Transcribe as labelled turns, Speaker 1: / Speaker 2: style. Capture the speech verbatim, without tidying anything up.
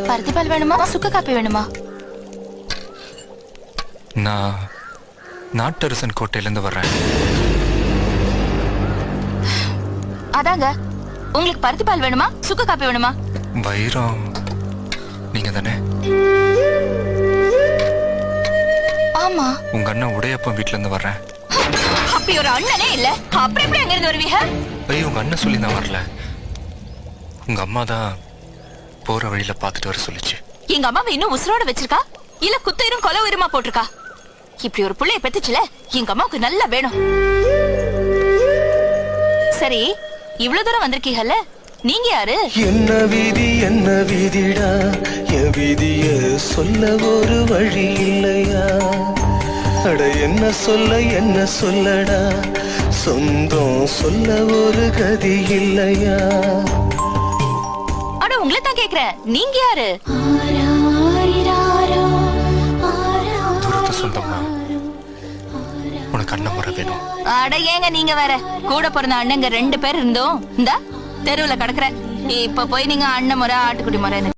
Speaker 1: பருத்திப்பால் வேணுமா சுக்கு காப்பி வேணுமா?
Speaker 2: நான் நாட்டரசன் கோட்டையிலிருந்து வர்றேன்.
Speaker 1: அதாங்க, உங்களுக்கு பருத்திப்பால் வேணுமா சுக்கு காப்பி வேணுமா?
Speaker 2: வைரம் நீங்க தானே?
Speaker 1: ஆமா.
Speaker 2: உங்க அண்ணன் உடையப்பன் வீட்டுல இருந்து வர்றேன்.
Speaker 1: அப்படி ஒரு அண்ணனே இல்ல, அப்புறம் எப்படி அங்க இருந்து வருவீங்க?
Speaker 2: ஐயோ, உங்க அண்ணன் சொல்லி நான் வரல. உங்க அம்மா தான் போற வழியில பாத்துட்டு வர சொல்லிச்சு.
Speaker 1: எங்க அம்மாவை இன்னும் உசுரோட வச்சிருக்கா இல்ல குத்தயிரும் கொலை உயிரமா போட்டிருக்கா? இப்படி ஒரு புள்ளைய பெத்துச்சுல, எங்க அம்மாவுக்கு நல்லா வேணும். சரி, இவ்வளவு தூரம் வந்திருக்கீங்கல்ல, நீங்க யாரு?
Speaker 3: என்ன வீதி என்ன வீதிடா, என் வீதிய சொல்ல ஒரு வழி இல்லையா? அட என்ன சொல்ல என்ன சொல்லடா, சொந்தம் சொல்ல ஒரு கதி இல்லையா?
Speaker 1: அட உங்களை தான் கேக்குறேன், நீங்க யாரு?
Speaker 2: தூரத்து சொந்தமா? உனக்கு அண்ணன் முறை வேணும்.
Speaker 1: அட ஏங்க நீங்க வேற, கூட பிறந்த அண்ணங்க ரெண்டு பேர் இருந்தோம், இந்த தெருவுல கிடக்குற. இப்ப போய் நீங்க அண்ணன் முறை ஆட்டுக்குட்டி முறை